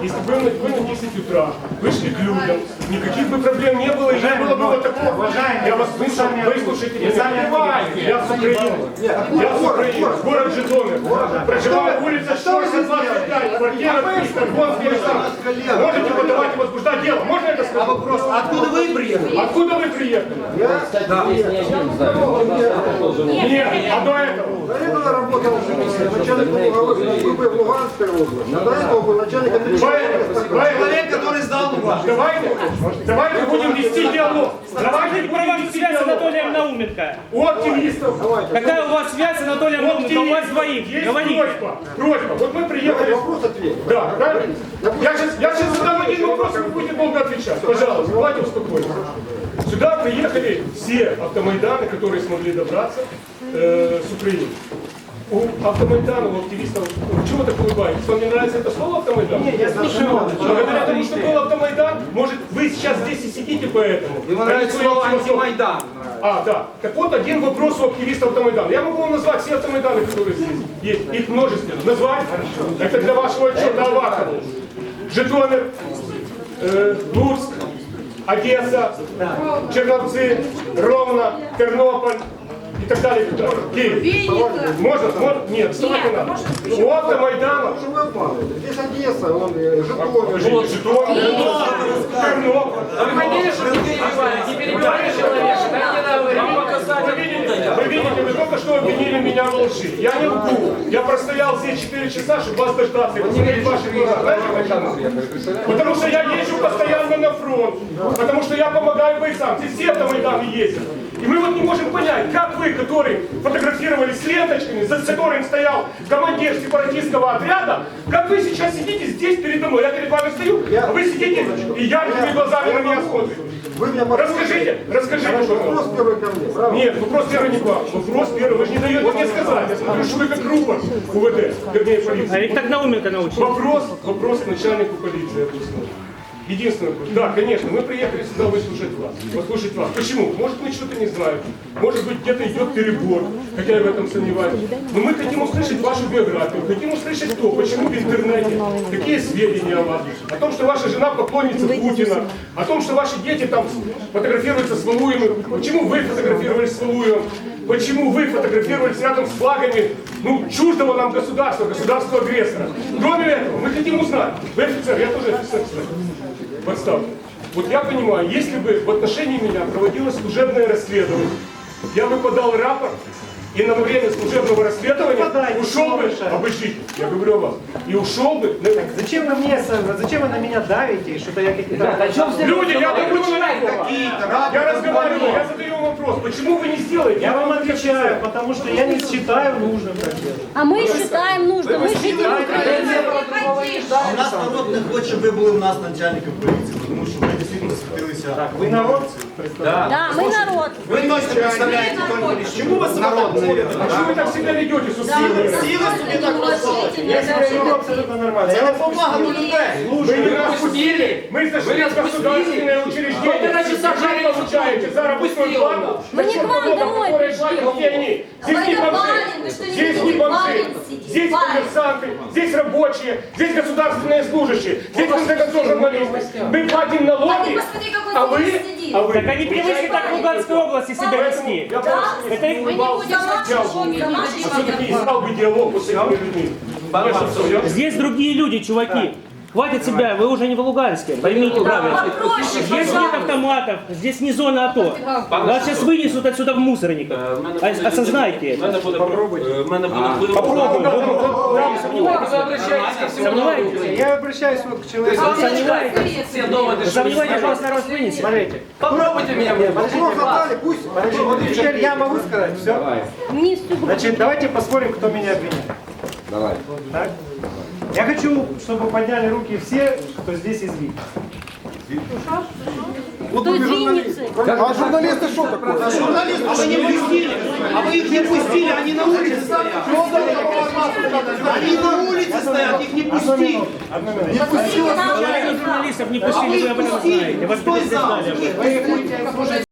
если бы вы на 10 утра вышли к людям, никаких бы проблем не было, и не было бы вот такого. Я вас выслушайте, не перебивайте. Я с Украины. Я с Украины. Город Житомир. Проживаю улица Шорса, 25, квартира 300, Гонский Александр. Можете подавать и возбуждать дело. Можно это сказать? Вопрос. Откуда вы приехали? Откуда вы приехали? Нет, а до этого? До этого работал начальником уголовной службы в Луганской области. А до этого был начальником Человек, который сдал вас. Давайте будем вести диалог. Давайте Какая у вас связь с Анатолием Науменко? У активистов. Какая у вас связь с Анатолием Науменко? У вас двоих. Есть Говорите. просьба. Вот мы приехали. Вопрос ответить. Да, правильно? Я сейчас задам один вопрос, и вы будете долго отвечать. Пожалуйста, давайте успокоимся. Сюда приехали все автомайданы, которые смогли добраться с Украины. У автомайдана, у активистов, чего так улыбаетесь? Вам не нравится это слово автомайдан? Нет, я слушаю. Благодаря тому, что был автомайдан, может, вы сейчас здесь и сидите поэтому. Ему нравится слово антимайдан. А, да. Так вот, один вопрос у активистов автомайдана. Я могу вам назвать все автомайданы, которые здесь есть. Их множество. Назвать? Это для вашего отчета Авакова. Житомир, Луцк, Одесса, Черновцы, Ровно, Тернополь и так далее. Киев. Можно? Нет, вставайте надо. У автомайдана. Что вы обманываете? Здесь Одесса, он Житомир. Житомир, Тернополь. Вы видите, вы только что обвинили меня в лжи. Я не лгу. Я простоял здесь 4 часа, чтобы вас дождаться. И посмотреть ваши глаза. Знаете почему? Потому что я езжу постоянно на фронт. Потому что я помогаю бойцам. Здесь все автомайданы ездят. И мы вот не можем понять, как вы, которые фотографировались с ленточками, за которым стоял командир сепаратистского отряда, как вы сейчас сидите здесь передо мной. Я перед вами стою, а вы сидите и яркими глазами на меня смотрите. Вы меня Расскажите, вопрос первый ко мне, правда? Нет, вопрос первый не к вам. Вопрос первый, вы же не даете мне сказать. Я смотрю, что вы как рупор УВД, вернее А полиции. ведь так Науменко научил. Вопрос к начальнику полиции областной. Единственный вопрос. Да, конечно, мы приехали сюда выслушать вас. Послушать вас. Почему? Может, мы что-то не знаем. Может быть, где-то идет перебор. Хотя я в этом сомневаюсь. Но мы хотим услышать вашу биографию. Хотим услышать кто, почему в интернете, какие сведения о вас. О том, что ваша жена поклонница Путина. О том, что ваши дети там фотографируются с Валуевым. Почему вы фотографировались с Валуевым? Почему вы фотографировались рядом с флагами, чуждого нам государства, государства-агрессора? Кроме этого, мы хотим узнать. Вы офицер, я тоже офицер, кстати. Подставьте. Вот я понимаю, если бы в отношении меня проводилось служебное расследование, я бы подал рапорт, и на время служебного расследования ушел бы, обыщите, я говорю о вас, и ушел бы. Зачем вы на меня давите и что-то я какие-то... Люди, я говорю я разговариваю, я задаю вам вопрос, почему вы не сделаете? Я вам отвечаю, потому что я не считаю нужным так делать. А ми считаем нужно, ми жителі України. У нас народ не хоче, щоб ви були у нас начальником поліції, тому що ми дійсно засвітилися. Ви народ? Да, ми народ. Ви точно представляєте тільки чому ви народ не А что вы так себя ведете с усилием? Сіли собі так розсудити. Я себя веду абсолютно нормально. Це не повага до людей. Вы нас пустили, мы зашли в государственное учреждение. Вы получаете заработную плату. Мы не к вам домой пришли. Здесь не бомжи, здесь не бомжи, здесь коммерсанты, здесь рабочие, здесь государственные служащие, здесь в конце концов журналисты. Мы платим налоги, а вы... Так они привыкли так в Луганской области себя вести. Я Это их... все-таки искал бы диалог с этими людьми. Здесь другие люди, чуваки. Хватит себя, вы уже не в Луганске, поймите правильно. Здесь нет автоматов, здесь не зона АТО. Вас сейчас вынесут отсюда в мусорниках. Осознайте это. Попробуйте. Попробуем. Сомневаетесь? Я обращаюсь вот к человеку. Сомневаетесь, что вас народ вынесет? Смотрите. Попробуйте меня. Вопрос задали, пусть. Вот теперь я могу сказать все. Мені все. Значит, давайте посмотрим, кто меня обвиняет. Давай. Так? Я хочу, чтобы подняли руки все, кто здесь из ВИК. Хто з Вінниці? А журналисты что такое? Журналисты, вы не пустили. А вы их не пустили, они на улице стоят. Они на улице стоят, их не пустили. Одну минуту. Запустили нам. Журналистов не пустили, вы об этом знаете. Вас Стой зал. предупреждали об этом.